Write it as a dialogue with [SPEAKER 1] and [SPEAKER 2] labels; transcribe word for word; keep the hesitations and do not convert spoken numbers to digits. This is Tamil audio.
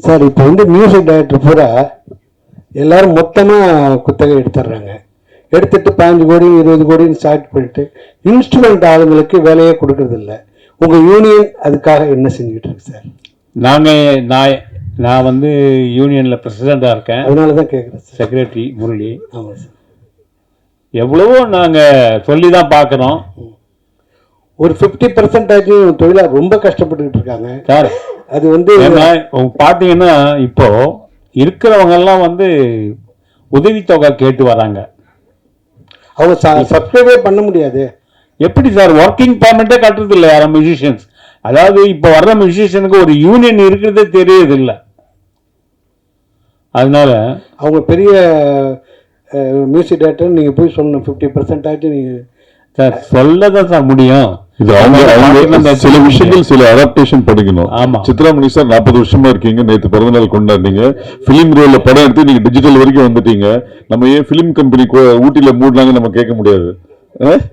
[SPEAKER 1] சார் இப்போ வந்து மியூசிக் டைரக்டர் பூரா எல்லாரும் மொத்தமாக குத்தகை எடுத்துடுறாங்க. எடுத்துட்டு பதினஞ்சு கோடி இருபது கோடின்னு ஸ்டார்ட் பண்ணிட்டு இன்ஸ்ட்ருமெண்ட் ஆளுங்களுக்கு வேலையே கொடுக்கறது இல்லை. உங்கள் யூனியன் அதுக்காக என்ன செஞ்சுக்கிட்டு இருக்கு சார்?
[SPEAKER 2] நாங்கள் நான் நான் வந்து யூனியனில் பிரசிடெண்ட்டாக இருக்கேன்.
[SPEAKER 1] அதனால தான் கேட்குறேன் சார்.
[SPEAKER 2] செக்ரட்டரி முரளி.
[SPEAKER 1] ஆமாம் சார்.
[SPEAKER 2] எவ்வளவோ நாங்கள் சொல்லி தான் பார்க்குறோம்.
[SPEAKER 1] ஒரு ஃபிஃப்டி பர்சன்டேஜ் தொழிலாளர் ரொம்ப கஷ்டப்பட்டுக்கிட்டு இருக்காங்க
[SPEAKER 2] சார்.
[SPEAKER 1] அது வந்து
[SPEAKER 2] பார்த்தீங்கன்னா இப்போ இருக்கிறவங்கெல்லாம் வந்து உதவித்தொகை கேட்டு வராங்க.
[SPEAKER 1] அவங்க சப்ஸ்கிரைபே பண்ண முடியாது.
[SPEAKER 2] எப்படி சார்? ஒர்க்கிங் பர்மனெண்ட்டே கட்டுறது இல்லை யாரும் மியூசிஷியன்ஸ். அதாவது இப்போ வர்ற மியூசிஷியனுக்கு ஒரு யூனியன் இருக்கிறதே தெரியுது இல்லை. அதனால
[SPEAKER 1] அவங்க பெரிய மியூசிக் டைரக்டர் நீங்கள் போய் சொல்லணும் ஃபிஃப்டி பர்சன்டேஜ் நீங்கள்
[SPEAKER 2] சார் சொல்ல தான் சார் முடியும்.
[SPEAKER 3] இது அவங்க அவங்க சில விஷயங்கள் சில அடாப்டேஷன் படிக்கணும்.
[SPEAKER 2] ஆமா.
[SPEAKER 3] சித்ராமணி சார் நாற்பது வருஷமா இருக்கீங்க. நேற்று பிறந்தநாள் கொண்டாடுறீங்க. பிலிம் ரோல்ல படம் எடுத்து நீங்க டிஜிட்டல் வரைக்கும் வந்துட்டீங்க. நம்ம ஏன் பிலிம் கம்பெனி ஊட்டியில மூடலாங்க நம்ம கேட்க முடியாது.